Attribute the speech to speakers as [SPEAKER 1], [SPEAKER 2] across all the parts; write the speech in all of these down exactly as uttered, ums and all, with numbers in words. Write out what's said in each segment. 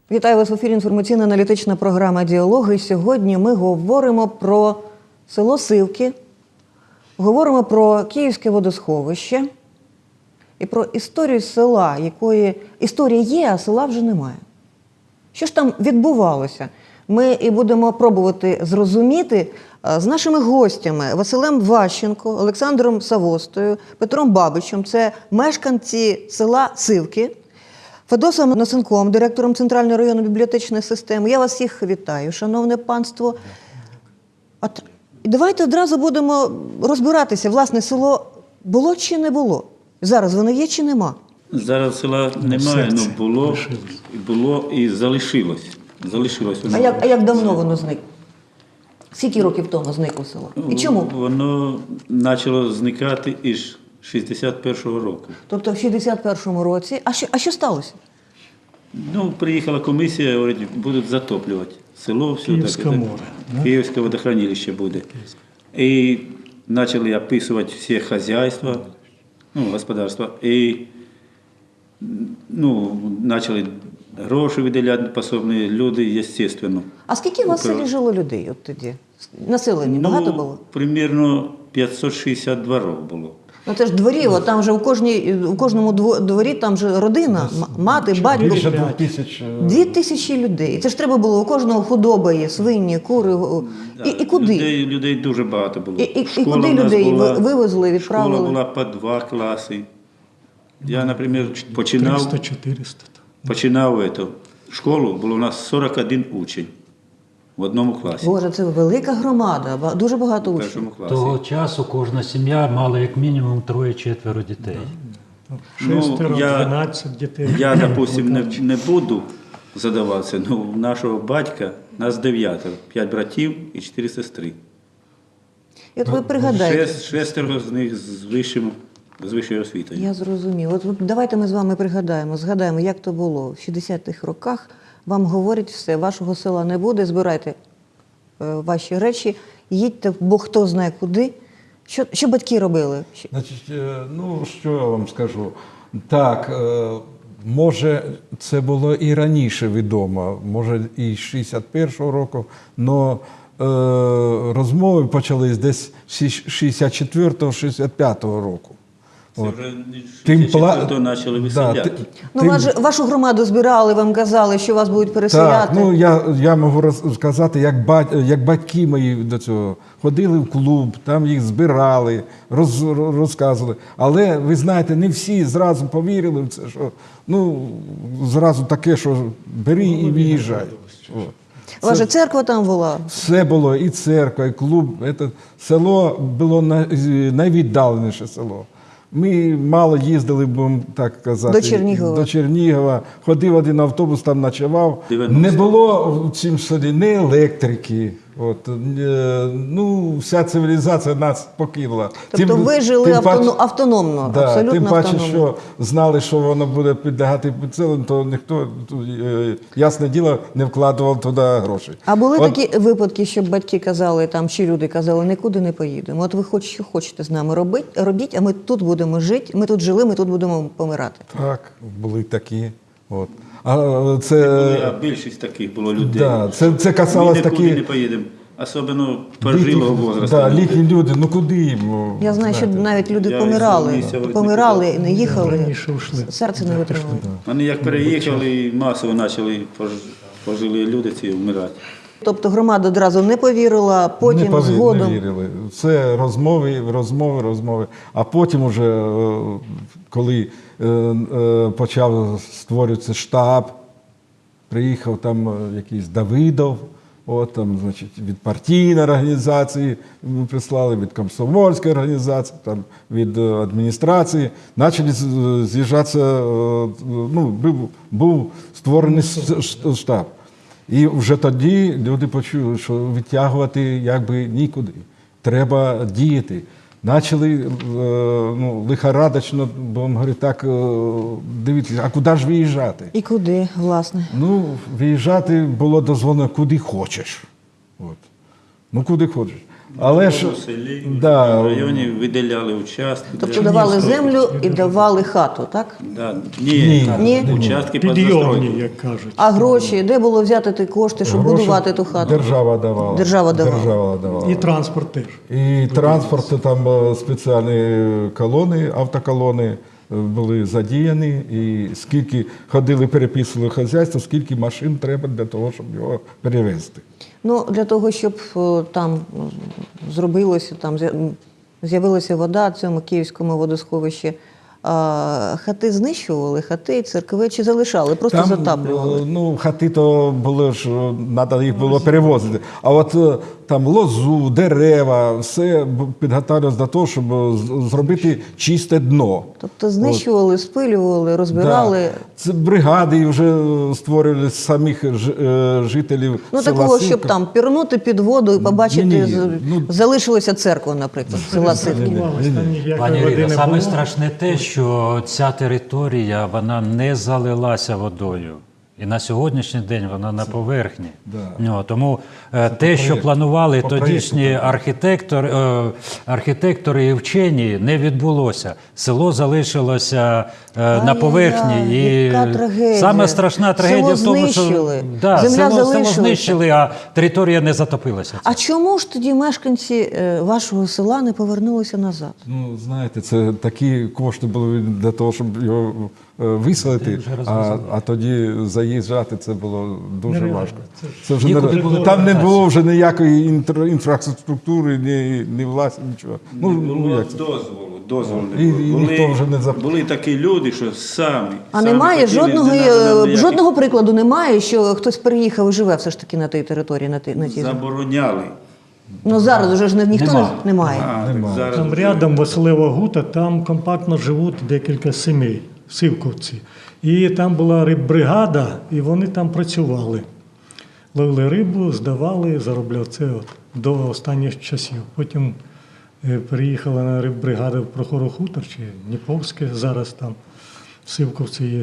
[SPEAKER 1] Вітаю вас в ефірі інформаційно-аналітична програма «Діалоги». Сьогодні ми говоримо про село Сивки, говоримо про Київське водосховище і про історію села, якої історія є, а села вже немає. Що ж там відбувалося? Ми і будемо пробувати зрозуміти з нашими гостями Василем Ващенко, Олександром Савостою, Петром Бабичем. Це мешканці села Сивки. Федосом Носенком, директором Центральної районної бібліотечної системи. Я вас всіх вітаю, шановне панство. От, і давайте одразу будемо розбиратися, власне, село було чи не було? Зараз воно є чи нема?
[SPEAKER 2] Зараз села немає, але було, було і залишилось. залишилось
[SPEAKER 1] А як, а як давно воно зникло? Скільки років тому зникло село? І чому?
[SPEAKER 2] Воно почало зникати із шістдесят першого року.
[SPEAKER 1] Тобто в шістдесят першому році. А що, а що сталося?
[SPEAKER 2] Ну, приїхала комісія, говорить, будуть затоплювати село. Все,
[SPEAKER 3] Київське
[SPEAKER 2] так,
[SPEAKER 3] море.
[SPEAKER 2] Так, Київське водохранилище буде. І почали описувати всі хазяйства, ну, господарства. І ну, почали гроші виділяти пособні люди, звісно.
[SPEAKER 1] А скільки у вас в селі жило людей от тоді? Населення багато
[SPEAKER 2] ну,
[SPEAKER 1] було?
[SPEAKER 2] Примірно п'ятсот шістдесят дворів було.
[SPEAKER 1] Ну це ж дворів, от там же у, кожній, у кожному дворі там же родина, мати, батько.
[SPEAKER 3] Більше двох тисяч.
[SPEAKER 1] Дві тисячі людей. Це ж треба було, у кожного худоба є, свині, кури. І, і куди?
[SPEAKER 2] Людей, людей дуже багато було.
[SPEAKER 1] І, і, і
[SPEAKER 2] Школа
[SPEAKER 1] куди
[SPEAKER 2] в нас
[SPEAKER 1] людей
[SPEAKER 2] була,
[SPEAKER 1] вивезли, відправили?
[SPEAKER 2] Школа була по два класи. Я, наприклад, починав,
[SPEAKER 3] триста-чотириста.
[SPEAKER 2] починав ету, школу, було у нас сорок один учень в одному класі.
[SPEAKER 1] Боже, це велика громада, ба- дуже багато
[SPEAKER 2] В
[SPEAKER 1] учнів.
[SPEAKER 2] першому класі.
[SPEAKER 4] Того часу кожна сім'я мала як мінімум троє-четверо дітей.
[SPEAKER 3] Шестеро,
[SPEAKER 2] я-
[SPEAKER 3] дванадцять дітей.
[SPEAKER 2] Я, допустим, не, не буду задаватися, але у нашого батька нас дев'ятеро, п'ять братів і чотири сестри.
[SPEAKER 1] І от ви пригадайте.
[SPEAKER 2] Шест, шестеро з них з, вищим, з вищою освітою.
[SPEAKER 1] Я зрозумів. От давайте ми з вами пригадаємо, згадаємо, як то було. В шістдесятих роках вам говорять все, вашого села не буде, збирайте е, ваші речі, їдьте, бо хто знає куди. Що, що батьки робили? Що-
[SPEAKER 5] Значить, е, ну що я вам скажу? Так, е, може, це було і раніше відомо, може і з шістдесят першого року, але розмови почались десь з шістдесят четвертого - шістдесят п'ятого року.
[SPEAKER 2] Це
[SPEAKER 5] От.
[SPEAKER 2] вже
[SPEAKER 5] Тим
[SPEAKER 2] шістдесят
[SPEAKER 5] пла-
[SPEAKER 2] четвертого почали
[SPEAKER 5] Да,
[SPEAKER 2] виселяти.
[SPEAKER 5] ти-
[SPEAKER 1] Ну,
[SPEAKER 5] тим-
[SPEAKER 1] вас же- вашу громаду збирали, вам казали, що вас будуть переселяти.
[SPEAKER 5] Так, ну я, я можу розказати, як, бать, як батьки мої до цього ходили в клуб, там їх збирали, роз, розказували. Але ви знаєте, не всі зразу повірили в це, що ну зразу таке, що бери і виїжджай. От.
[SPEAKER 1] У вас же церква там була.
[SPEAKER 5] Все було, і церква, і клуб. Це село було най- найвіддаленіше село. Ми мало їздили, будемо так казати,
[SPEAKER 1] До Чернігова.
[SPEAKER 5] до Чернігова. Ходив один автобус, там ночував.
[SPEAKER 2] дев'яносто.
[SPEAKER 5] Не було в цім селі ні електрики. От, е, ну, вся цивілізація нас покинула.
[SPEAKER 1] Тобто ви жили автоно- автономно,
[SPEAKER 5] да,
[SPEAKER 1] абсолютно
[SPEAKER 5] тим паче,
[SPEAKER 1] автономно.
[SPEAKER 5] що знали, що воно буде підлягати підселенню, то ніхто, е, ясне діло, не вкладував туди гроші.
[SPEAKER 1] А були
[SPEAKER 5] От,
[SPEAKER 1] такі випадки, щоб батьки казали, там, чи люди казали, нікуди не поїдемо. От ви хоч що хочете з нами робити, робіть, а ми тут будемо жити, ми тут жили, ми тут будемо помирати.
[SPEAKER 5] Так, були такі. От. А це,
[SPEAKER 2] Були, а більшість таких було людей.
[SPEAKER 5] да, це, це касалось
[SPEAKER 2] Ми нікуди не
[SPEAKER 5] такі
[SPEAKER 2] поїдемо. Особливо пожилого возрасту.
[SPEAKER 5] да, літні люди, ну куди їм?
[SPEAKER 1] Я знаю, що
[SPEAKER 5] знаєте.
[SPEAKER 1] навіть люди
[SPEAKER 2] Я
[SPEAKER 1] помирали,
[SPEAKER 2] із місця
[SPEAKER 1] помирали, не їхали,
[SPEAKER 3] Раніше ушли.
[SPEAKER 1] серце не витримало.
[SPEAKER 2] Вони як переїхали, і масово почали пож- пожилі люди ці вмирати.
[SPEAKER 1] Тобто громада одразу не повірила, потім
[SPEAKER 5] не, пові-
[SPEAKER 1] згодом.
[SPEAKER 5] не вірили. Це розмови, розмови, розмови. А потім уже, е, коли е, е, почав створюватися штаб, приїхав там е, якийсь Давидов, от там, значить, від партійної організації ми прислали, від комсомольської організації, там, від е, адміністрації. Почали з- з'їжджатися, е, ну, був, був створений с- ш- штаб. І вже тоді люди почули, що відтягувати якби нікуди. Треба діяти. Почали е, ну, лихорадочно, бо говорю, так, е, дивіться, а куди ж виїжджати?
[SPEAKER 1] І куди, власне?
[SPEAKER 5] Ну, виїжджати було дозволено куди хочеш. От. Ну куди хочеш. Але ж
[SPEAKER 2] в селі,
[SPEAKER 5] да,
[SPEAKER 2] в районі виділяли участки.
[SPEAKER 1] Тобто
[SPEAKER 2] для-
[SPEAKER 1] давали землю і давали хату, так?
[SPEAKER 2] Да. Ні,
[SPEAKER 1] Ні.
[SPEAKER 2] участки під
[SPEAKER 3] Підйомні,
[SPEAKER 2] застройку.
[SPEAKER 3] як кажуть.
[SPEAKER 1] А гроші, де було взяти ті кошти, щоб
[SPEAKER 5] гроші
[SPEAKER 1] будувати ту хату?
[SPEAKER 5] Держава давала.
[SPEAKER 1] Держава давала.
[SPEAKER 5] Держава давала.
[SPEAKER 3] І транспорт теж.
[SPEAKER 5] І транспорт, там е, спеціальні колони, автоколони е, були задіяні, і скільки ходили, переписували хазяйство, скільки машин треба для того, щоб його перевезти.
[SPEAKER 1] Ну, для того, щоб о, там м, зробилося, там з'я- м, з'явилася вода в цьому київському водосховищі, а, хати знищували, хати, церкви чи залишали, просто затаплювали.
[SPEAKER 5] е, Ну, хати то були ж, треба їх було перевозити. А от е, там лозу, дерева, все б- підготовлювалося до того, щоб е, з- зробити чисте дно.
[SPEAKER 1] Тобто знищували, спилювали, розбирали.
[SPEAKER 5] Да. Це бригади вже створювали з самих ж- е, жителів.
[SPEAKER 1] Ну,
[SPEAKER 5] села
[SPEAKER 1] такого, щоб
[SPEAKER 5] Сивка.
[SPEAKER 1] там пірнути під воду і побачити,
[SPEAKER 5] Ні-ні,
[SPEAKER 1] з-
[SPEAKER 5] ну-
[SPEAKER 1] залишилася церква, наприклад, села Сивки.
[SPEAKER 3] Бувалось, там ніякої
[SPEAKER 4] Пані
[SPEAKER 3] води
[SPEAKER 4] Ірино,
[SPEAKER 3] не
[SPEAKER 4] саме
[SPEAKER 3] було.
[SPEAKER 4] страшне те, що ця територія вона не залилася водою. І на сьогоднішній день вона на поверхні.
[SPEAKER 5] Да.
[SPEAKER 4] Ну, тому е, те, що
[SPEAKER 5] проєкту.
[SPEAKER 4] планували
[SPEAKER 5] По
[SPEAKER 4] тодішні
[SPEAKER 5] проєкту.
[SPEAKER 4] архітектори, е, архітектори і вчені, не відбулося. Село залишилося е, на
[SPEAKER 1] Ай-яй-яй,
[SPEAKER 4] поверхні. І
[SPEAKER 1] яка трагедія.
[SPEAKER 4] саме страшна трагедія
[SPEAKER 1] Село
[SPEAKER 4] в тому, що
[SPEAKER 1] знищили,
[SPEAKER 4] да,
[SPEAKER 1] земля
[SPEAKER 4] село, село
[SPEAKER 1] залишилася.
[SPEAKER 4] знищили, а територія не затопилася.
[SPEAKER 1] А чому ж тоді мешканці е, вашого села не повернулися назад?
[SPEAKER 5] Ну, знаєте, це такі кошти були для того, щоб його е, виселити,
[SPEAKER 4] вже
[SPEAKER 5] а,
[SPEAKER 4] розвезли.
[SPEAKER 5] а тоді заїжджати це було дуже
[SPEAKER 3] Нереально.
[SPEAKER 5] важко.
[SPEAKER 3] Це-
[SPEAKER 5] Це вже
[SPEAKER 4] Нікуди
[SPEAKER 5] не,
[SPEAKER 4] було
[SPEAKER 5] там не
[SPEAKER 4] повертатися.
[SPEAKER 5] було вже ніякої інтр, інфраструктури, ні, ні власті, нічого. Ну,
[SPEAKER 2] Не
[SPEAKER 5] ну
[SPEAKER 2] було
[SPEAKER 5] як це?
[SPEAKER 2] дозволу, дозволу не
[SPEAKER 5] І-
[SPEAKER 2] було.
[SPEAKER 5] і
[SPEAKER 2] Були,
[SPEAKER 5] ніхто вже не зап-
[SPEAKER 2] були такі люди, що самі.
[SPEAKER 1] А
[SPEAKER 2] самі
[SPEAKER 1] немає
[SPEAKER 2] хотіли,
[SPEAKER 1] жодного,
[SPEAKER 2] не надо нам
[SPEAKER 1] е,
[SPEAKER 2] ніяких-
[SPEAKER 1] жодного прикладу немає, що хтось переїхав і живе все ж таки на тій території, на тій, на тій землі?
[SPEAKER 2] Забороняли.
[SPEAKER 1] Ну зараз уже ж не- ніхто
[SPEAKER 4] Нема.
[SPEAKER 1] не немає.
[SPEAKER 2] А, так зараз
[SPEAKER 3] Там
[SPEAKER 2] вже-
[SPEAKER 3] рядом Василева Гута, там компактно живуть декілька сімей, сивковці. І там була риббригада, і вони там працювали. Ловили рибу, здавали, заробляли це от, до останніх часів. Потім е, переїхала на риббригаду в Прохорохутор чи Дніповське, зараз там сивковці є.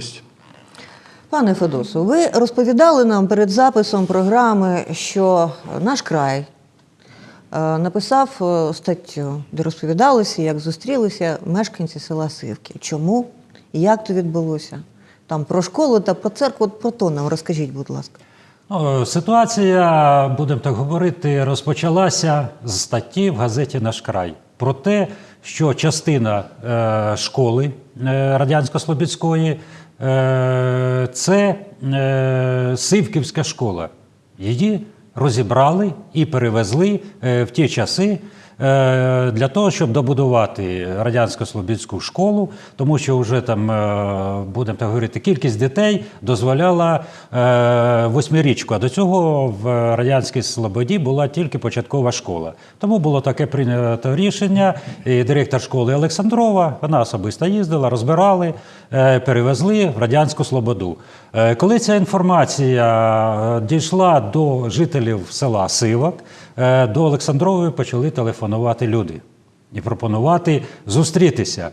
[SPEAKER 1] Пане Федосу, ви розповідали нам перед записом програми, що наш край е, написав е, статтю, де розповідалося, як зустрілися мешканці села Сивки. Чому і як то відбулося? Там про школу та про церкву, от про то нам розкажіть, будь ласка.
[SPEAKER 4] Ну, ситуація, будемо так говорити, розпочалася з статті в газеті «Наш край» про те, що частина е, школи е, Радянсько-Слобідської е, – це е, Сивківська школа. Її розібрали і перевезли е, в ті часи е, для того, щоб добудувати Радянсько-Слобідську школу, тому що вже там, е, будемо так говорити, кількість дітей дозволяла е, восьмирічку, а до цього в Радянській Слободі була тільки початкова школа. Тому було таке прийнято рішення, і директор школи Олександрова, вона особисто їздила, розбирали, е, перевезли в Радянську Слободу. Е, Коли ця інформація е, дійшла до жителів села Сивок, е, до Олександрової почали телефонувати люди і пропонувати зустрітися.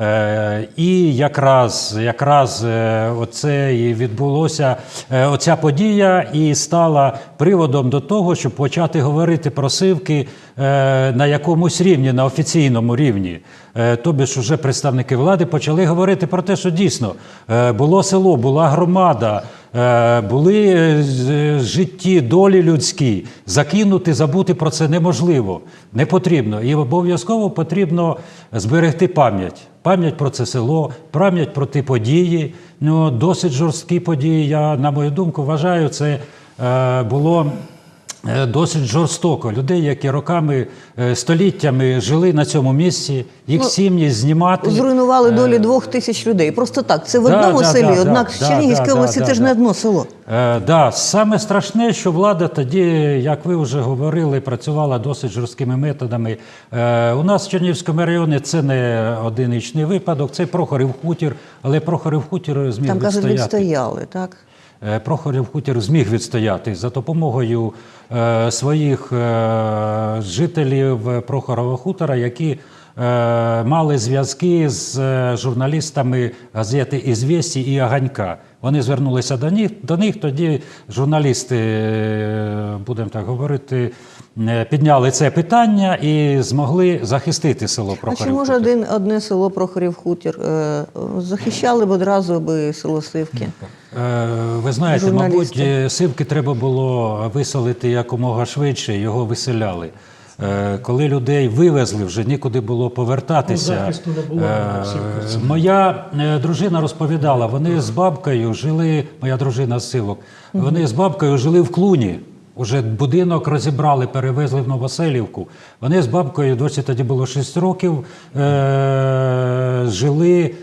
[SPEAKER 4] Е, І якраз, якраз е, оце і відбулося, е, оця подія і стала приводом до того, щоб почати говорити про Сивки е, на якомусь рівні, на офіційному рівні. Е, Тобі ж уже представники влади почали говорити про те, що дійсно е, було село, була громада, е, були е, з- житті, долі людські. Закинути, забути про це неможливо, не потрібно. І обов'язково потрібно зберегти пам'ять. Пам'ять про це село, пам'ять про ті події. Ну, досить жорсткі події, я, на мою думку, вважаю, це е, було е, досить жорстоко. Людей, які роками, е, століттями жили на цьому місці, їх
[SPEAKER 1] Ну,
[SPEAKER 4] сім'ї знімати.
[SPEAKER 1] Зруйнували долі двох тисяч людей. Просто так. Це в
[SPEAKER 4] Да,
[SPEAKER 1] одному
[SPEAKER 4] да,
[SPEAKER 1] селі,
[SPEAKER 4] да,
[SPEAKER 1] однак
[SPEAKER 4] да,
[SPEAKER 1] в Чернігівській
[SPEAKER 4] да,
[SPEAKER 1] області
[SPEAKER 4] да,
[SPEAKER 1] це ж
[SPEAKER 4] да.
[SPEAKER 1] не одно село.
[SPEAKER 4] Е, да, саме страшне, що влада тоді, як ви вже говорили, працювала досить жорсткими методами. Е, у нас в Чернігівському районі це не одиничний випадок, це Прохорів хутір, але Прохорів хутір зміг
[SPEAKER 1] Там, кажуть,
[SPEAKER 4] відстояти.
[SPEAKER 1] відстояли, так?
[SPEAKER 4] Е, Прохорів хутір зміг відстояти за допомогою е, своїх е, жителів Прохорова хутора, які е, мали зв'язки з е, журналістами газети «Ізвєсті» і «Оганька». Вони звернулися до них, до них тоді журналісти, е, будемо так говорити, е, підняли це питання і змогли захистити село
[SPEAKER 1] А чи
[SPEAKER 4] Прохорів
[SPEAKER 1] може
[SPEAKER 4] Хутір.
[SPEAKER 1] один, одне село Прохорів Хутір е, захищали б одразу би село Сивки?
[SPEAKER 4] Е, Ви знаєте,
[SPEAKER 1] Журналісти.
[SPEAKER 4] мабуть, е, Сивки треба було виселити якомога швидше, його виселяли. Е, Коли людей вивезли, вже нікуди було повертатися.
[SPEAKER 3] Ну, захисту не було,
[SPEAKER 4] Е,
[SPEAKER 3] в Сивківці.
[SPEAKER 4] Моя е, дружина розповідала, вони з бабкою жили, моя дружина з Сивок, вони з бабкою жили в Клуні. Уже будинок розібрали, перевезли в Новоселівку. Вони з бабкою, досі тоді було шість років, е- жили е-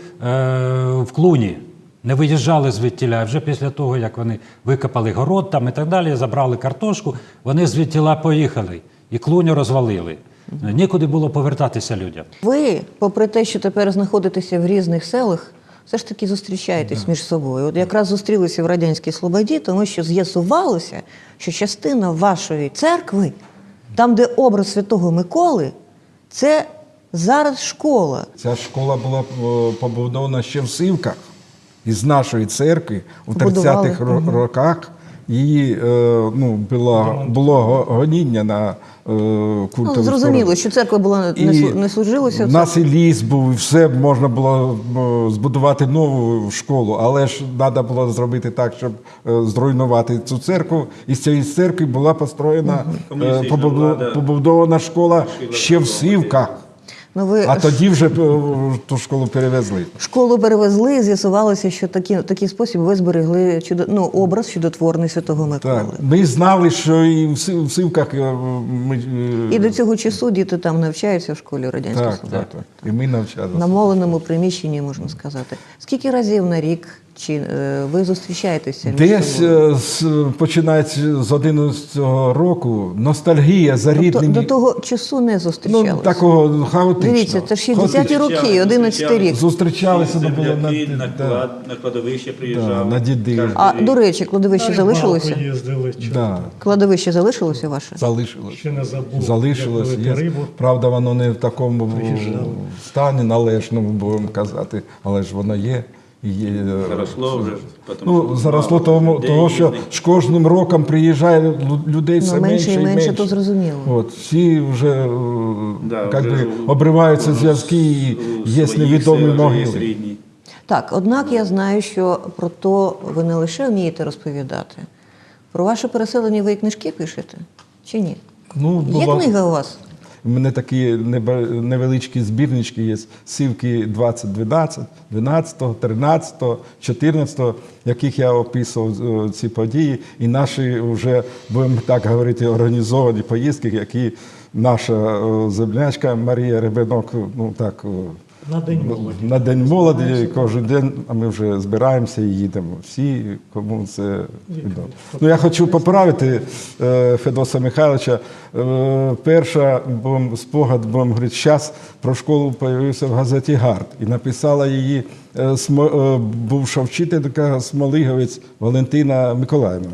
[SPEAKER 4] в Клуні. Не виїжджали звідтіля. Вже після того, як вони викопали город там і так далі, забрали картошку, вони звідтіля поїхали. І Клуню розвалили. Нікуди було повертатися людям.
[SPEAKER 1] Ви, попри те, що тепер знаходитеся в різних селах, все ж таки зустрічаєтесь між собою. От якраз зустрілися в Радянській Слободі, тому що з'ясувалося, що частина вашої церкви, там, де образ Святого Миколи, це зараз школа.
[SPEAKER 5] Ця школа була е, побудована ще в Сивках. Із нашої церкви у
[SPEAKER 1] Побудували.
[SPEAKER 5] тридцятих ро- роках її е, ну, було, було го- гоніння на е, культову
[SPEAKER 1] Ну, зрозуміло,
[SPEAKER 5] сторону.
[SPEAKER 1] що церква була не, слу- не служилася.
[SPEAKER 5] У нас і ліс був, і все можна було е, збудувати нову школу, але ж треба було зробити так, щоб е, зруйнувати цю церкву. І з цієї церкви була построєна, е,
[SPEAKER 2] Комуністична
[SPEAKER 5] побудо-
[SPEAKER 2] влада
[SPEAKER 5] побудована школа ще в Сивках.
[SPEAKER 1] Ну, ви
[SPEAKER 5] А тоді вже е, ту школу перевезли.
[SPEAKER 1] школу перевезли, і з'ясувалося, що такі, такий спосіб ви зберегли чудо, ну, образ чудотворний Святого Миколи.
[SPEAKER 5] Так. Ми знали, що і в Сив- в Сивках е, ми, е,
[SPEAKER 1] І до цього часу діти там навчаються в школі Радянської
[SPEAKER 5] так,
[SPEAKER 1] Слободи.
[SPEAKER 5] так, так. І ми навчалися.
[SPEAKER 1] На моленому приміщенні, можна сказати. Скільки разів на рік чи е, ви зустрічаєтеся? між
[SPEAKER 5] Десь
[SPEAKER 1] собою?
[SPEAKER 5] е, з, починаючи з одинадцятого року ностальгія за
[SPEAKER 1] Тобто
[SPEAKER 5] рідними.
[SPEAKER 1] до того часу не зустрічалися?
[SPEAKER 5] Ну, такого хаотично.
[SPEAKER 1] Дивіться, це ж шістдесяті
[SPEAKER 5] Хаотично.
[SPEAKER 1] роки, одинадцятий рік.
[SPEAKER 5] Зустрічалися, ну, було на,
[SPEAKER 2] Земляки, на,
[SPEAKER 5] да,
[SPEAKER 2] клад, на кладовище приїжджали.
[SPEAKER 5] Да, на діди.
[SPEAKER 2] Кожен
[SPEAKER 1] А,
[SPEAKER 2] рік.
[SPEAKER 1] до речі, кладовище залишилося?
[SPEAKER 3] Рибалку їздили, чи
[SPEAKER 5] да,
[SPEAKER 1] Кладовище залишилося ваше?
[SPEAKER 5] залишилось.
[SPEAKER 3] ще не забув,
[SPEAKER 5] Залишилось.
[SPEAKER 3] як
[SPEAKER 5] Є.
[SPEAKER 3] ловити рибу.
[SPEAKER 5] Правда, воно не в такому
[SPEAKER 3] Приїжджали.
[SPEAKER 5] стані належному, будемо казати, але ж воно є. І є е,
[SPEAKER 2] Заросло вже. Потім
[SPEAKER 5] Ну, заросло
[SPEAKER 2] мало
[SPEAKER 5] тому,
[SPEAKER 2] людей
[SPEAKER 5] того, що
[SPEAKER 2] їздить.
[SPEAKER 5] з кожним роком приїжджає лю- людей все
[SPEAKER 1] Ну, менше
[SPEAKER 5] менше
[SPEAKER 1] і
[SPEAKER 5] і
[SPEAKER 1] менше,
[SPEAKER 5] менше.
[SPEAKER 1] то зрозуміло.
[SPEAKER 5] От, всі вже, е,
[SPEAKER 2] Да,
[SPEAKER 5] як
[SPEAKER 2] вже
[SPEAKER 5] би,
[SPEAKER 2] у-
[SPEAKER 5] обриваються
[SPEAKER 2] у-
[SPEAKER 5] зв'язки і
[SPEAKER 2] у
[SPEAKER 5] є
[SPEAKER 2] своїх
[SPEAKER 5] невідомі
[SPEAKER 2] селах вже є
[SPEAKER 5] могили.
[SPEAKER 2] рідні.
[SPEAKER 1] Так, однак я знаю, що про то ви не лише вмієте розповідати. Про ваше переселення ви і книжки пишете? Чи ні?
[SPEAKER 5] Ну,
[SPEAKER 1] Є
[SPEAKER 5] було-
[SPEAKER 1] книга у вас?
[SPEAKER 5] У мене такі неба- невеличкі збірнички є. Сивки двадцять дванадцять, дванадцятого, тринадцятого, чотирнадцятого, яких я описував е, ці події. І наші вже, будемо так говорити, організовані поїздки, які наша е, землячка Марія Ребенок, ну так, е,
[SPEAKER 3] На День молоді.
[SPEAKER 5] на День молоді кожен день, а ми вже збираємося і їдемо. Всі, кому це відомо. Ну, я хочу поправити е, Федоса Михайловича. Е, перша бом, спогад, будемо говорити, час про школу з'явився в газеті «Гард». І написала її е, смо, е, бувша вчителька Смолиговець Валентина Миколаївна.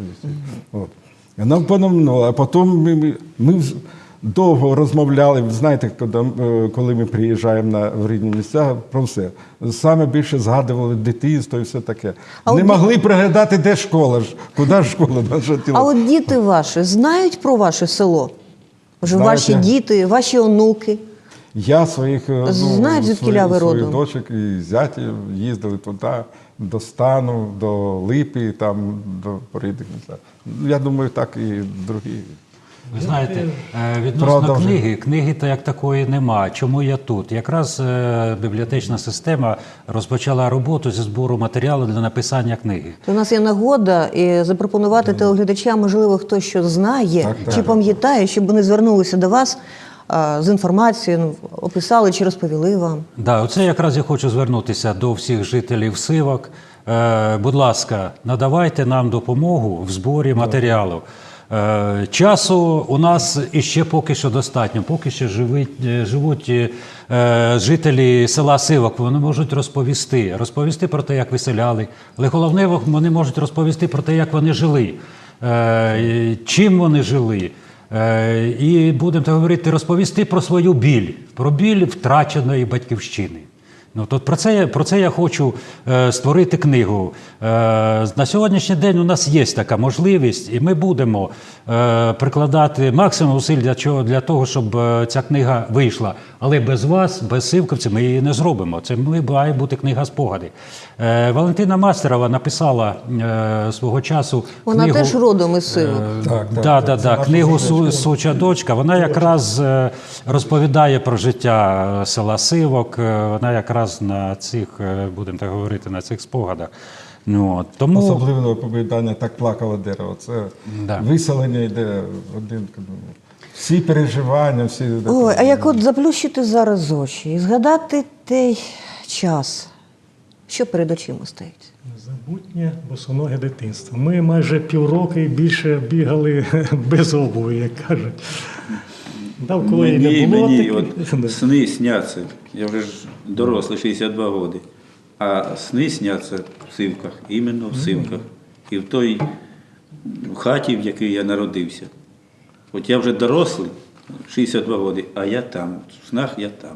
[SPEAKER 5] От. Вона пономнула, а потім ми, ми, ми вз- довго розмовляли, знаєте, коли, е, коли ми приїжджаємо на в рідні місця, про все. Саме більше згадували дитинство і все таке.
[SPEAKER 1] А
[SPEAKER 5] Не
[SPEAKER 1] от-
[SPEAKER 5] могли пригадати, де школа ж, куди ж школа наша тіло.
[SPEAKER 1] А от діти ваші знають про ваше село? Вже
[SPEAKER 5] Знаєте.
[SPEAKER 1] ваші діти, ваші онуки.
[SPEAKER 5] Я своїх, е, ну,
[SPEAKER 1] Знають, звідкіля
[SPEAKER 5] своїх,
[SPEAKER 1] ви
[SPEAKER 5] своїх
[SPEAKER 1] родом?
[SPEAKER 5] дочок і зятів їздили туди, до Стану, до Липи, там, до рідних місця. Ну, я думаю, так і другі.
[SPEAKER 4] Ви знаєте, е, відносно
[SPEAKER 5] Правда вже.
[SPEAKER 4] книги, книги то як такої нема. Чому я тут? Якраз е, бібліотечна система розпочала роботу зі збору матеріалу для написання книги.
[SPEAKER 1] То у нас є нагода і запропонувати телеглядачам, можливо, хтось що знає
[SPEAKER 5] Так, так.
[SPEAKER 1] чи пам'ятає, щоб вони звернулися до вас а, з інформацією, ну, описали чи розповіли вам.
[SPEAKER 4] Да, оце якраз я хочу звернутися до всіх жителів Сивок. Е, будь ласка, надавайте нам допомогу в зборі матеріалів. Е, часу у нас іще поки що достатньо. Поки що живуть, е, живуть е, жителі села Сивок. Вони можуть розповісти, розповісти про те, як виселяли. Але головне, вони можуть розповісти про те, як вони жили, е, чим вони жили. Е, І будемо так говорити, розповісти про свою біль, про біль втраченої батьківщини. Ну, то про це, я- про це я хочу е, створити книгу. Е, на сьогоднішній день у нас є така можливість, і ми будемо е, прикладати максимум зусиль для, чого, для того, щоб е, ця книга вийшла. Але без вас, без сивковців, ми її не зробимо. Це ми- має бути книга спогади. Е, Валентина Мастерова написала е, свого часу
[SPEAKER 1] Вона
[SPEAKER 4] книгу,
[SPEAKER 1] теж родом із Сивок.
[SPEAKER 5] Так, так.
[SPEAKER 4] Да, да,
[SPEAKER 5] Це
[SPEAKER 4] да.
[SPEAKER 5] наша
[SPEAKER 4] Книгу
[SPEAKER 5] суча
[SPEAKER 4] «Су- Суча дочка». Вона якраз е, розповідає про життя е, села Сивок. Е, Вона якраз на цих, е, будемо так говорити, на цих спогадах. Ну, от, тому
[SPEAKER 5] Особливе оповідання «Так плакало дерево». Це
[SPEAKER 4] Да.
[SPEAKER 5] виселення йде один. Всі переживання, всі.
[SPEAKER 1] Ой, а як от заплющити зараз очі і згадати той час, що перед очима стоїть?
[SPEAKER 3] Незабутнє босоноге дитинство. Ми майже півроку і більше бігали без обуви, як кажуть. Навколо і
[SPEAKER 2] Мені,
[SPEAKER 3] не було
[SPEAKER 2] мені
[SPEAKER 3] таких.
[SPEAKER 2] от сни сняться. Я вже ж дорослий, шістдесят два роки. А сни сняться в Сивках, іменно в Сивках. І в той хаті, в якій я народився. От я вже дорослий, шістдесят два роки, а я там, в снах я там.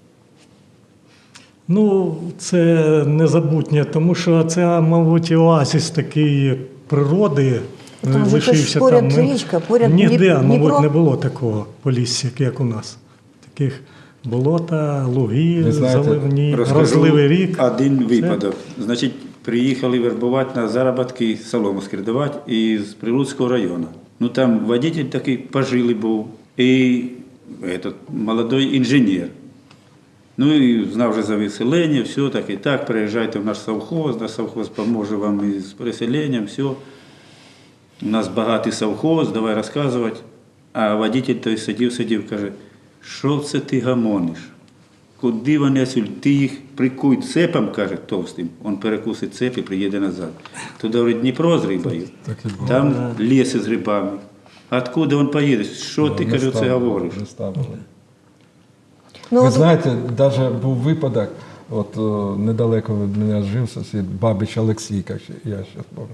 [SPEAKER 3] Ну, це незабутнє, тому що це, мабуть, оазис такої природи.
[SPEAKER 1] Ну, там же
[SPEAKER 3] лишився
[SPEAKER 1] ж поряд
[SPEAKER 3] там. Ми-
[SPEAKER 1] річка, поряд
[SPEAKER 3] Ніде,
[SPEAKER 1] Дніп-
[SPEAKER 3] мабуть,
[SPEAKER 1] Дніпро.
[SPEAKER 3] не було такого полісся, як у нас. Таких болота, луги,
[SPEAKER 5] Ви знаєте,
[SPEAKER 3] заливні,
[SPEAKER 2] Розкажу
[SPEAKER 3] розливий рік.
[SPEAKER 2] один
[SPEAKER 3] Це-
[SPEAKER 2] випадок. Значить, приїхали вербувати на заробітки, солому скридувати із Прилуцького району. Ну там водитель такий пожилий був і этот, молодой інженер. Ну і знав вже за виселення, все так і так, приїжджайте в наш совхоз, наш совхоз поможе вам із переселенням, все. У нас багатий совхоз, давай розказувати. А водитель той сидів, сидів, каже, що це ти гамониш? Куди вони отсюди? Ти їх прикуй цепом, каже, товстим. Он перекусить цеп і приїде назад. Туди, говорить, Дніпро з рибою,
[SPEAKER 5] Так і було.
[SPEAKER 2] там ліс із грибами. Откуда він поїде? Що ти,
[SPEAKER 5] Не
[SPEAKER 2] каже, це
[SPEAKER 5] ставили,
[SPEAKER 2] говориш?
[SPEAKER 5] не ставили.
[SPEAKER 1] Ну,
[SPEAKER 5] Ви
[SPEAKER 1] от
[SPEAKER 5] знаєте, навіть був випадок, от о, недалеко від мене жив сусід Бабич Олексій, як ще- я ще пам'ятаю.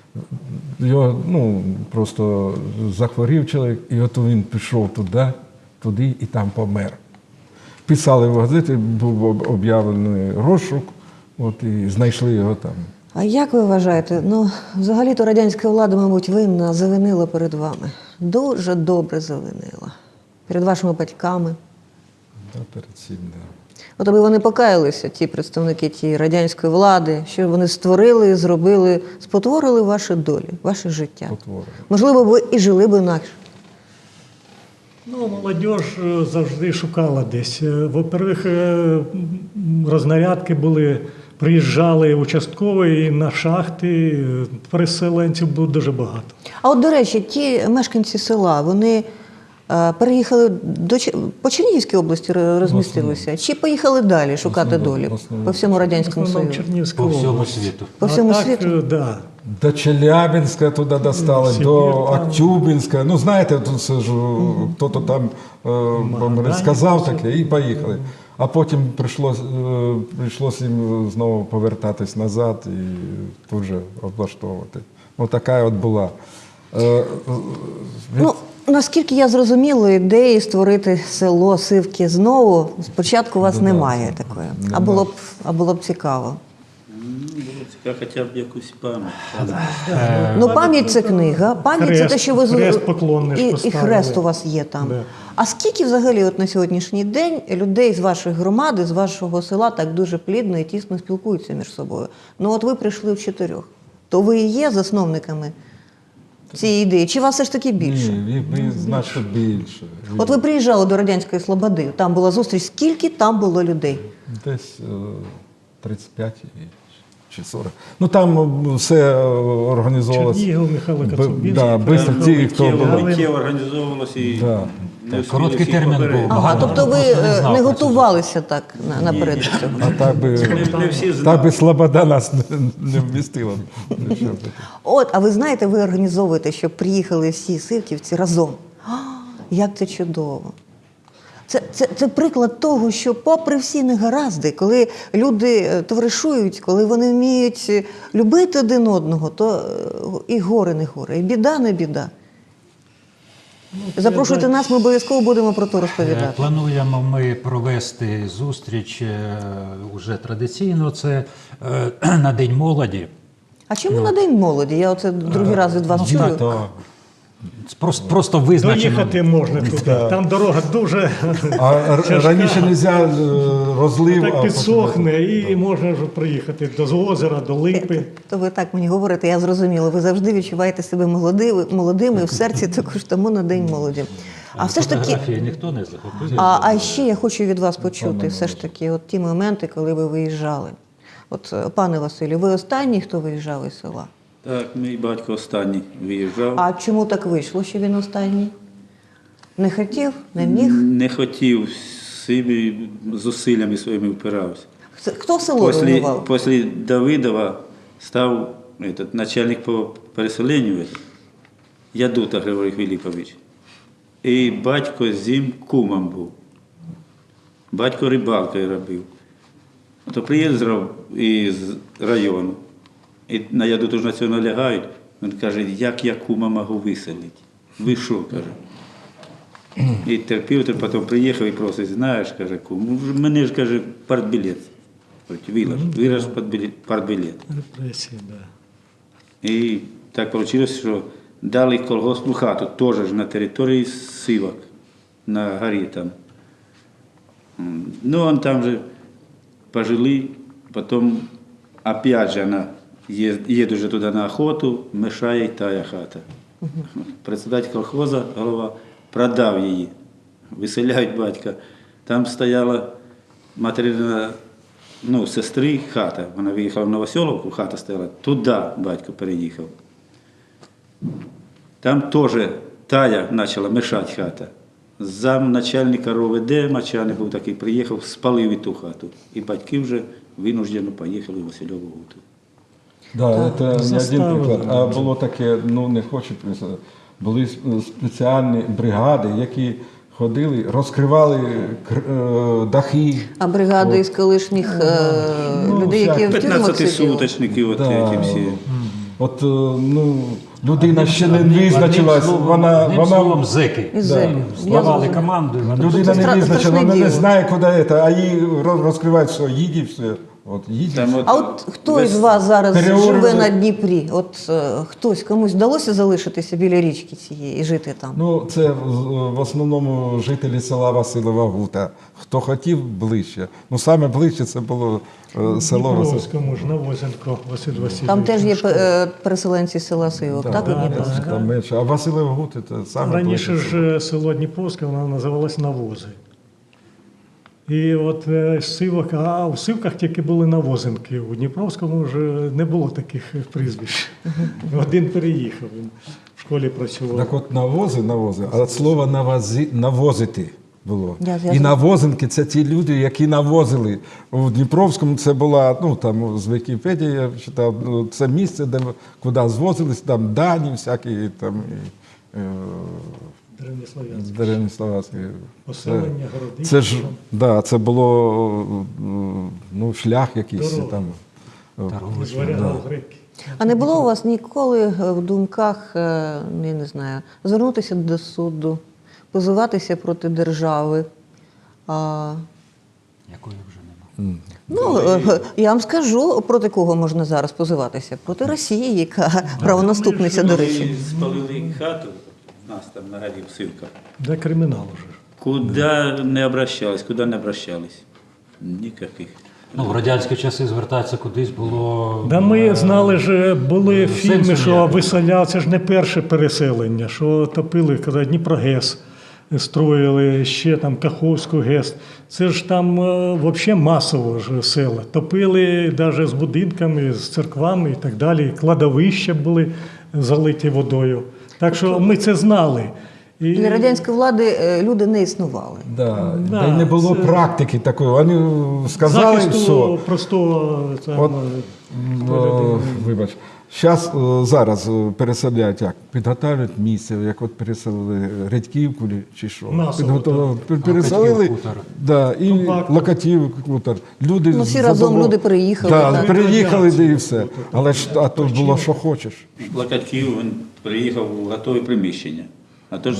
[SPEAKER 5] Його ну, просто захворів чоловік, і от він пішов туди, туди і там помер. Писали в газеті, був об- об'явлений розшук, от, і знайшли його там.
[SPEAKER 1] А як ви вважаєте? Ну, взагалі-то радянська влада, мабуть, винна, завинила перед вами. Дуже добре завинила. Перед вашими батьками.
[SPEAKER 5] Да, перед цим, да.
[SPEAKER 1] От аби вони покаялися, ті представники тієї радянської влади, що вони створили, зробили, спотворили ваші долі, ваше життя.
[SPEAKER 5] Спотворили.
[SPEAKER 1] Можливо, ви і жили б інакше.
[SPEAKER 3] Ну, молодь е, завжди шукала десь. Е, Во-первых, е, м, рознарядки були, приїжджали участкові і на шахти, е, переселенців було дуже багато.
[SPEAKER 1] А от, до речі, ті мешканці села, вони е, переїхали до Ч- по Чернігівській області ро- розмістилися? Чи поїхали далі шукати
[SPEAKER 5] основному-
[SPEAKER 1] долі
[SPEAKER 5] в основному.
[SPEAKER 1] по всьому Радянському
[SPEAKER 3] В основному
[SPEAKER 1] Союзу?
[SPEAKER 3] Чернігівська
[SPEAKER 4] по всьому
[SPEAKER 3] область.
[SPEAKER 4] світу.
[SPEAKER 1] По всьому
[SPEAKER 3] а так,
[SPEAKER 1] світу?
[SPEAKER 3] е, да.
[SPEAKER 5] До Челябинська туди достали,
[SPEAKER 3] Сибір
[SPEAKER 5] до
[SPEAKER 3] там.
[SPEAKER 5] Актюбинська. Ну, знаєте, тут це ж хто-то там е, вам сказав таке і поїхали. А потім прийшлось, е, прийшлось їм знову повертатись назад і тут же облаштовувати. Ну, така от була. Е, е, від-
[SPEAKER 1] Ну, наскільки я зрозуміла, ідеї створити село Сивки знову спочатку у вас
[SPEAKER 5] Ну, да,
[SPEAKER 1] немає
[SPEAKER 5] це-
[SPEAKER 1] такої. А
[SPEAKER 5] нема.
[SPEAKER 1] було б, а було б цікаво.
[SPEAKER 2] Ну, було цікаво, хоча б якусь пам'ять.
[SPEAKER 1] Ну, пам'ять це книга, пам'ять це те,
[SPEAKER 3] Хрест-
[SPEAKER 1] що ви з-
[SPEAKER 3] хрест поклонний ж
[SPEAKER 1] і, і
[SPEAKER 3] поставили.
[SPEAKER 1] хрест у вас є там.
[SPEAKER 3] Да.
[SPEAKER 1] А скільки взагалі от на сьогоднішній день людей з вашої громади, з вашого села так дуже плідно і тісно спілкуються між собою? Ну от ви прийшли в чотирьох. То ви і є засновниками цієї ідеї? Чи вас все ж таки більше?
[SPEAKER 5] Ні, ви, ви значно більше.
[SPEAKER 1] От ви приїжджали до Радянської Слободи, там була зустріч. Скільки там було людей?
[SPEAKER 5] Десь е, тридцять п'ять і- чи сорок. Ну там е, все е, організовувалося.
[SPEAKER 3] Чернігів, Михайло
[SPEAKER 5] Б-
[SPEAKER 3] Коцюбинський,
[SPEAKER 5] да, бистро ті, хто
[SPEAKER 2] Миттєво,
[SPEAKER 5] були.
[SPEAKER 2] миттєво організовувалося і
[SPEAKER 5] Да.
[SPEAKER 2] не встигли
[SPEAKER 4] Короткий
[SPEAKER 2] всіх
[SPEAKER 4] термін
[SPEAKER 2] попередити.
[SPEAKER 4] був.
[SPEAKER 1] Ага,
[SPEAKER 4] Багато
[SPEAKER 1] тобто ви
[SPEAKER 4] просто не
[SPEAKER 1] е,
[SPEAKER 4] знав
[SPEAKER 1] не
[SPEAKER 4] про це.
[SPEAKER 1] готувалися так на- наперед до цього?
[SPEAKER 5] А так би,
[SPEAKER 2] Не всі знали.
[SPEAKER 5] так би Слобода нас не, не вмістила. Нічого таке.
[SPEAKER 1] От, а ви знаєте, ви організовуєте, щоб приїхали всі сивківці разом. А, як це чудово! Це, це, це приклад того, що попри всі негаразди, коли люди е, товаришують, коли вони вміють е, любити один одного, то е, і горе не горе, і біда не біда. Запрошуйте
[SPEAKER 3] це-
[SPEAKER 1] нас, ми обов'язково будемо про то
[SPEAKER 4] Е,
[SPEAKER 1] розповідати.
[SPEAKER 4] Плануємо ми провести зустріч е, уже традиційно. Це е, на День молоді.
[SPEAKER 1] А чому на День молоді? Я оце другий раз від вас чую.
[SPEAKER 5] То,
[SPEAKER 4] Просто, просто визначено.
[SPEAKER 3] Доїхати можна туди. Там дорога дуже
[SPEAKER 5] а р-
[SPEAKER 3] Тяжка.
[SPEAKER 5] раніше не можна розлив, а
[SPEAKER 3] так
[SPEAKER 5] потім-
[SPEAKER 3] підсохне, і можна вже приїхати до озера, до липи.
[SPEAKER 1] То ви так мені говорите, я зрозуміла. Ви завжди відчуваєте себе молодими, молодими в серці також тому на День молоді. А все ж таки,
[SPEAKER 4] Фотографії ніхто не захопив.
[SPEAKER 1] а, а ще я хочу від вас почути все ж таки от ті моменти, коли ви виїжджали. От, е, пане Василю, ви останній, хто виїжджав із села?
[SPEAKER 2] Так, мій батько останній виїжджав.
[SPEAKER 1] А чому так вийшло, що він останній? Не хотів, не міг?
[SPEAKER 2] Не хотів, собі зусиллями своїми впирався.
[SPEAKER 1] Хто- Хто село
[SPEAKER 2] Після,
[SPEAKER 1] руйнував?
[SPEAKER 2] після Давидова став этот, начальник по переселенню Ядута Григорій Філіпович. І батько з ним кумом був. Батько рибалкою робив. То приїздив із району. І на Ядуту ж на цього налягають. Він каже, як я кума можу виселити? Ви що, каже. І терпів, то потім приїхав і просить, знаєш, каже, кум, мене ж, каже, партбілет. Вилаж, вилаж партбілет.
[SPEAKER 3] Репресії, да.
[SPEAKER 2] І так вийшло, що дали колгоспну хату, теж ж на території Сивок, на горі там. М, Ну, он там же пожили, потім опять же она їде вже туди на охоту, мешає й тая хата. Председатель колхоза, голова, продав її, виселяють батька. Там стояла материна, ну, сестри хата. Вона виїхала в Новоселовку, хата стояла, туди батько переїхав. Там теж тая почала мешати хата. Зам начальника РОВД, Мачани був такий, приїхав, спалив і ту хату. І батьки вже винуждено поїхали в Васильову Гуту.
[SPEAKER 5] Да, це не один
[SPEAKER 3] Заставили.
[SPEAKER 5] приклад. А було таке, ну не хочу писати, були с- спеціальні бригади, які ходили, розкривали кр- е, дахи.
[SPEAKER 1] А бригада із колишніх е,
[SPEAKER 5] Ну,
[SPEAKER 1] людей, які в тюрмах сиділи?
[SPEAKER 2] п'ятнадцятисуточники, от
[SPEAKER 5] Да.
[SPEAKER 2] ті всі.
[SPEAKER 5] От, е, ну, людина ще не
[SPEAKER 4] Одним-
[SPEAKER 5] визначилась,
[SPEAKER 4] одним словом-
[SPEAKER 5] вона,
[SPEAKER 4] одним
[SPEAKER 5] вона
[SPEAKER 4] словом, зеки.
[SPEAKER 1] Із зеків. Я
[SPEAKER 4] Здавали
[SPEAKER 1] зрозуміла.
[SPEAKER 4] команду. і вони
[SPEAKER 5] людина
[SPEAKER 1] Це
[SPEAKER 5] не
[SPEAKER 1] стра-
[SPEAKER 5] визначила,
[SPEAKER 1] страшне
[SPEAKER 5] вона не
[SPEAKER 1] діло.
[SPEAKER 5] знає, куди це, а їй роз- розкривають все, їдь і все. От, їдь і
[SPEAKER 2] Там
[SPEAKER 5] все.
[SPEAKER 2] от
[SPEAKER 1] А от хто
[SPEAKER 2] весь-
[SPEAKER 1] із вас зараз
[SPEAKER 5] переорали-
[SPEAKER 1] живе на Дніпрі? От е, хтось, комусь вдалося залишитися біля річки цієї і жити там?
[SPEAKER 5] Ну, це в в основному жителі села Василова Гута. Хто хотів ближче. Ну, саме ближче це було е, село Василь.
[SPEAKER 3] Дніпровському ж Навозенко Василь Васильович.
[SPEAKER 1] Там теж є е, переселенці з села Сивок,
[SPEAKER 5] Да,
[SPEAKER 1] так?
[SPEAKER 5] да,
[SPEAKER 1] у
[SPEAKER 5] да,
[SPEAKER 1] Дніпровську?
[SPEAKER 5] там менше. А Василев Гути це саме
[SPEAKER 3] Раніше
[SPEAKER 5] ближче.
[SPEAKER 3] ж е, село Дніпровське, воно називалось Навози. І от е, Сивок, а в Сивках тільки були Навозенки. У Дніпровському вже не було таких прізвищ. Один переїхав, він в школі працював.
[SPEAKER 5] Так от навози, навози, а от слово навози, навозити було.
[SPEAKER 1] Я- я
[SPEAKER 5] І
[SPEAKER 1] зрозуміла.
[SPEAKER 5] навозинки це ті люди, які навозили. У Дніпровському це була, ну там з Вікіпедії я читав, ну, це місце, де куди звозились, там дані всякі, там і, е,
[SPEAKER 3] Древнеслов'янське.
[SPEAKER 5] Деревні-Словацькі.
[SPEAKER 3] Поселення,
[SPEAKER 5] Це,
[SPEAKER 3] городи.
[SPEAKER 5] це ж да, це було ну, шлях якийсь
[SPEAKER 3] Дорога.
[SPEAKER 5] там.
[SPEAKER 3] З варягів греки.
[SPEAKER 1] А не було у вас ніколи е, в думках, е, я не знаю, звернутися до суду, позиватися проти держави? А,
[SPEAKER 4] Якої вже нема.
[SPEAKER 1] ну, е, я вам скажу, проти кого можна зараз позиватися? Проти Росії, яка правонаступниця, до речі.
[SPEAKER 2] Коли спалили хату, у нас там на горі в Сивках,
[SPEAKER 3] Де кримінал уже.
[SPEAKER 2] куди не обращались, куди не обращались? Ніяких.
[SPEAKER 4] Ну, в радянські часи звертатися кудись було.
[SPEAKER 3] Да ми знали ж, були
[SPEAKER 4] сенсу
[SPEAKER 3] фільми, що
[SPEAKER 4] ніякого.
[SPEAKER 3] виселяв, це ж не перше переселення, що топили, коли Дніпрогес строїли, ще там Каховську ГЕС. Це ж там взагалі масово ж села. Топили навіть з будинками, з церквами і так далі. Кладовища були залиті водою. Так що ми це знали. І...
[SPEAKER 1] Для радянської влади е, люди не існували.
[SPEAKER 5] Да,
[SPEAKER 3] Да,
[SPEAKER 5] да, й не було
[SPEAKER 3] це-
[SPEAKER 5] практики такої. Вони сказали,
[SPEAKER 3] захисту
[SPEAKER 5] все.
[SPEAKER 3] простого там,
[SPEAKER 5] От,
[SPEAKER 3] е,
[SPEAKER 5] О, вибач. Зараз, зараз е, переселяють як? Підготовлюють місце, як от переселили Редьківку чи що.
[SPEAKER 3] Масово,
[SPEAKER 5] Підготовили,
[SPEAKER 3] так.
[SPEAKER 5] пер- переселили,
[SPEAKER 4] Локатів, хутор.
[SPEAKER 5] да, і
[SPEAKER 3] Компактно.
[SPEAKER 5] Локатів, хутор. Люди
[SPEAKER 1] Ну, всі
[SPEAKER 5] задовол-
[SPEAKER 1] разом люди переїхали,
[SPEAKER 5] Да,
[SPEAKER 1] так.
[SPEAKER 5] переїхали, де і все. Але ж а тут було, що хочеш.
[SPEAKER 2] Локатків він приїхав у готове приміщення. А то ж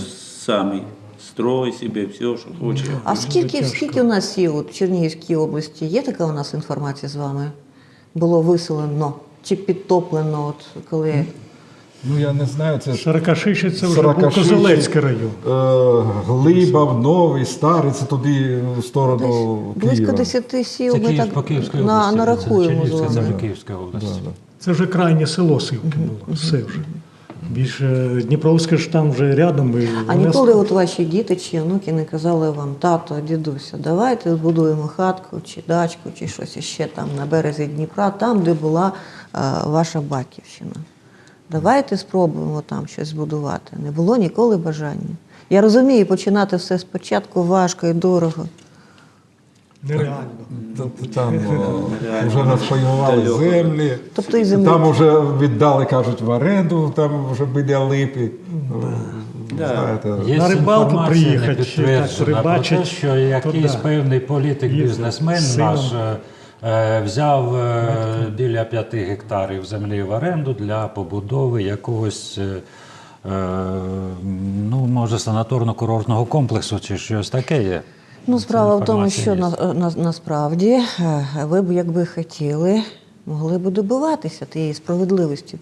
[SPEAKER 2] самі. Строй собі, все, що хоче.
[SPEAKER 1] А скільки,
[SPEAKER 3] тяжко.
[SPEAKER 1] скільки у нас є от, в Чернігівській області? Є така у нас інформація з вами? Було виселено чи підтоплено, от, коли...
[SPEAKER 5] Ну я не знаю, це
[SPEAKER 3] Сорокашиші це вже був
[SPEAKER 5] Сорокашиші,
[SPEAKER 3] Козелецький район.
[SPEAKER 5] е, Глибав, Новий, Старий, це туди в сторону
[SPEAKER 1] близько
[SPEAKER 5] Києва.
[SPEAKER 1] десяти сіл
[SPEAKER 4] Це
[SPEAKER 1] ми
[SPEAKER 4] Київ
[SPEAKER 1] так
[SPEAKER 4] по Київській
[SPEAKER 1] на,
[SPEAKER 4] області.
[SPEAKER 1] нарахуємо з
[SPEAKER 4] Чернігівська, це
[SPEAKER 1] вами.
[SPEAKER 4] вже Київська область.
[SPEAKER 3] Це вже крайнє село Сивки було. Все вже. Більше Дніпровське ж там вже рядом. І
[SPEAKER 1] А
[SPEAKER 3] вони
[SPEAKER 1] ніколи от ваші діти чи онуки не казали вам: тато, дідуся, давайте збудуємо хатку чи дачку, чи щось іще там на березі Дніпра, там, де була е, ваша батьківщина. Давайте спробуємо там щось збудувати. Не було ніколи бажання. Я розумію, починати все спочатку важко і дорого.
[SPEAKER 3] нереально.
[SPEAKER 5] Т- Там о, вже розпаювали
[SPEAKER 2] Далеко.
[SPEAKER 5] землі,
[SPEAKER 1] Тобто і землі.
[SPEAKER 5] там вже віддали, кажуть, в оренду, там вже біля липи. Знаєте,
[SPEAKER 4] Є
[SPEAKER 3] На рибалку
[SPEAKER 4] інформація
[SPEAKER 3] приїхати,
[SPEAKER 4] не
[SPEAKER 3] чи
[SPEAKER 4] підтверджена
[SPEAKER 3] так рибачить,
[SPEAKER 4] про те, що якийсь
[SPEAKER 3] то да.
[SPEAKER 4] певний політик-бізнесмен
[SPEAKER 3] Їздить з
[SPEAKER 4] наш
[SPEAKER 3] сином.
[SPEAKER 4] е, взяв е, біля п'яти гектарів землі в оренду для побудови якогось, е, е, ну, може, санаторно-курортного комплексу чи щось таке є.
[SPEAKER 1] Ну, справа в тому,
[SPEAKER 4] інформація
[SPEAKER 1] що
[SPEAKER 4] є.
[SPEAKER 1] на, на, насправді е, ви б, якби хотіли, могли б добиватися тієї справедливості.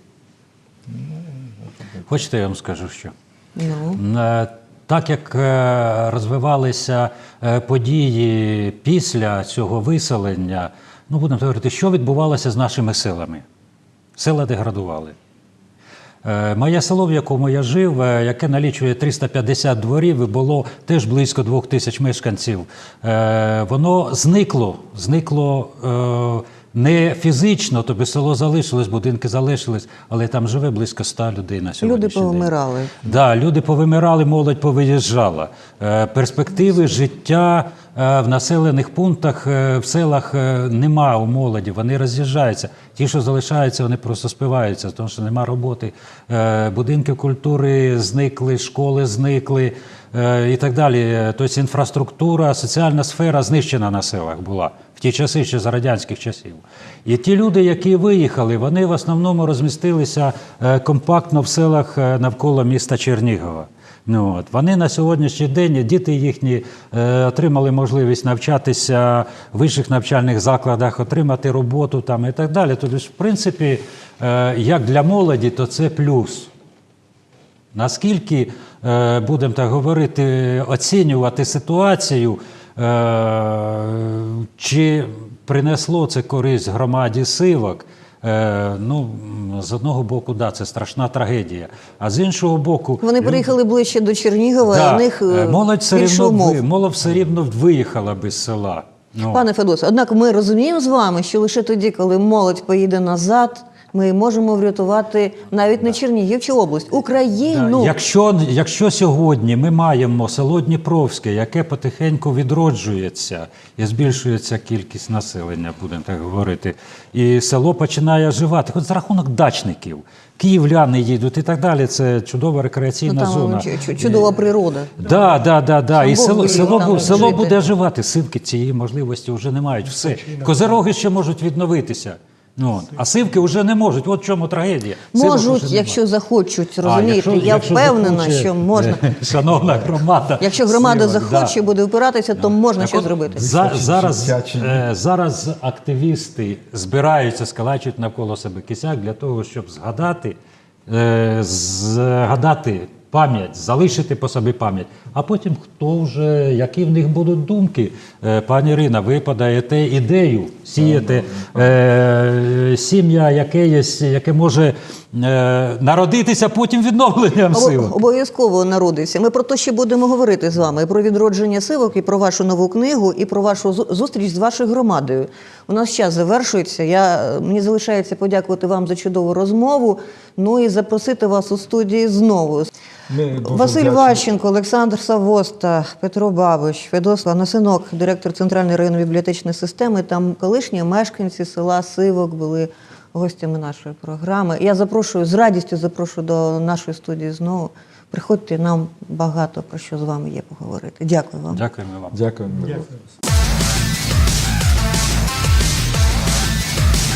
[SPEAKER 4] Хочете, я вам скажу, що?
[SPEAKER 1] Ну,
[SPEAKER 4] Е, Так як е, розвивалися е, події після цього виселення, ну будемо говорити, що відбувалося з нашими селами? Села деградували. Е, Моє село, в якому я жив, е, яке налічує триста п'ятдесят дворів, і було теж близько двох тисяч мешканців, е, воно зникло, зникло е, не фізично, тобто село залишилось, будинки залишились, але там живе близько ста людей на
[SPEAKER 1] люди
[SPEAKER 4] сьогоднішній день.
[SPEAKER 1] повимирали.
[SPEAKER 4] Да, люди повимирали, молодь повиїжджала. Е, Перспективи життя е, в населених пунктах, е, в селах е, нема у молоді, вони роз'їжджаються. Ті, що залишаються, вони просто спиваються, тому що нема роботи. Е, Будинки культури зникли, школи зникли е, і так далі. Тобто інфраструктура, соціальна сфера знищена на селах була в ті часи, ще за радянських часів. І ті люди, які виїхали, вони в основному розмістилися е, компактно в селах е, навколо міста Чернігова. Ну, от. Вони на сьогоднішній день, діти їхні е, отримали можливість навчатися в вищих навчальних закладах, отримати роботу там і так далі. Тобто, в принципі, е, як для молоді, то це плюс. Наскільки, е, будемо так говорити, оцінювати ситуацію, е, чи принесло це користь громаді Сивок, е, ну, з одного боку, да, це страшна трагедія, а з іншого боку...
[SPEAKER 1] Вони приїхали ближче до Чернігова,
[SPEAKER 4] Да,
[SPEAKER 1] і у них е,
[SPEAKER 4] е, молодь все
[SPEAKER 1] більше
[SPEAKER 4] рівно,
[SPEAKER 1] умов.
[SPEAKER 4] ви- молодь все рівно виїхала без села. Ну,
[SPEAKER 1] Пане Федосе, однак ми розуміємо з вами, що лише тоді, коли молодь поїде назад, ми можемо врятувати навіть не Чернігів чи область, Україну.
[SPEAKER 4] Да, Якщо, якщо сьогодні ми маємо село Дніпровське, яке потихеньку відроджується і збільшується кількість населення, будемо так говорити, і село починає оживати, хоч за рахунок дачників, київляни їдуть і так далі, це чудова рекреаційна
[SPEAKER 1] Ну, там
[SPEAKER 4] зона.
[SPEAKER 1] чу- чу- чудова природа.
[SPEAKER 4] Да, да, да, да.
[SPEAKER 1] Щоб
[SPEAKER 4] І
[SPEAKER 1] Бог
[SPEAKER 4] село,
[SPEAKER 1] велів
[SPEAKER 4] село,
[SPEAKER 1] там
[SPEAKER 4] бу- село
[SPEAKER 1] жити.
[SPEAKER 4] буде оживати. Сивки цієї можливості вже не мають. Все. Козироги ще можуть відновитися. Ну, от. А сивки вже не можуть. От в чому трагедія. Сивок
[SPEAKER 1] Можуть,
[SPEAKER 4] уже
[SPEAKER 1] якщо
[SPEAKER 4] нема.
[SPEAKER 1] захочуть,
[SPEAKER 4] А,
[SPEAKER 1] розумієте.
[SPEAKER 4] якщо-
[SPEAKER 1] Я
[SPEAKER 4] якщо
[SPEAKER 1] впевнена,
[SPEAKER 4] захоче,
[SPEAKER 1] що можна.
[SPEAKER 4] е, Шановна громада.
[SPEAKER 1] Якщо громада
[SPEAKER 4] Сивок,
[SPEAKER 1] захоче,
[SPEAKER 4] да.
[SPEAKER 1] буде опиратися, то можна
[SPEAKER 4] Так
[SPEAKER 1] щось
[SPEAKER 4] от,
[SPEAKER 1] зробити.
[SPEAKER 4] За, зараз,
[SPEAKER 5] життя чи ні?
[SPEAKER 4] е, зараз активісти збираються, скалачують навколо себе кисяк для того, щоб згадати, е, згадати пам'ять, залишити по собі пам'ять. А потім хто вже, які в них будуть думки. Е, пані Ірина, ви подаєте ідею, сієте е, сім'я, яке, є, яке може е, народитися потім відновленням
[SPEAKER 1] Обо-
[SPEAKER 4] сил.
[SPEAKER 1] Обов'язково народиться. Ми про те ще будемо говорити з вами. І про відродження сивок, і про вашу нову книгу, і про вашу зу- зустріч з вашою громадою. У нас час завершується. Я, мені залишається подякувати вам за чудову розмову, ну і запросити вас у студії знову.
[SPEAKER 5] Ми дуже
[SPEAKER 1] Василь
[SPEAKER 5] вдячні.
[SPEAKER 1] Ващенко, Олександр Савоста, Петро Бабич, Федос Ланасинок, директор Центральної районної бібліотечної системи, там колишні мешканці села Сивок були гостями нашої програми. Я запрошую, з радістю запрошую до нашої студії знову. Приходьте, нам багато про що з вами є поговорити. Дякую вам.
[SPEAKER 4] Дякуємо вам.
[SPEAKER 5] Дякую.
[SPEAKER 3] Дякую.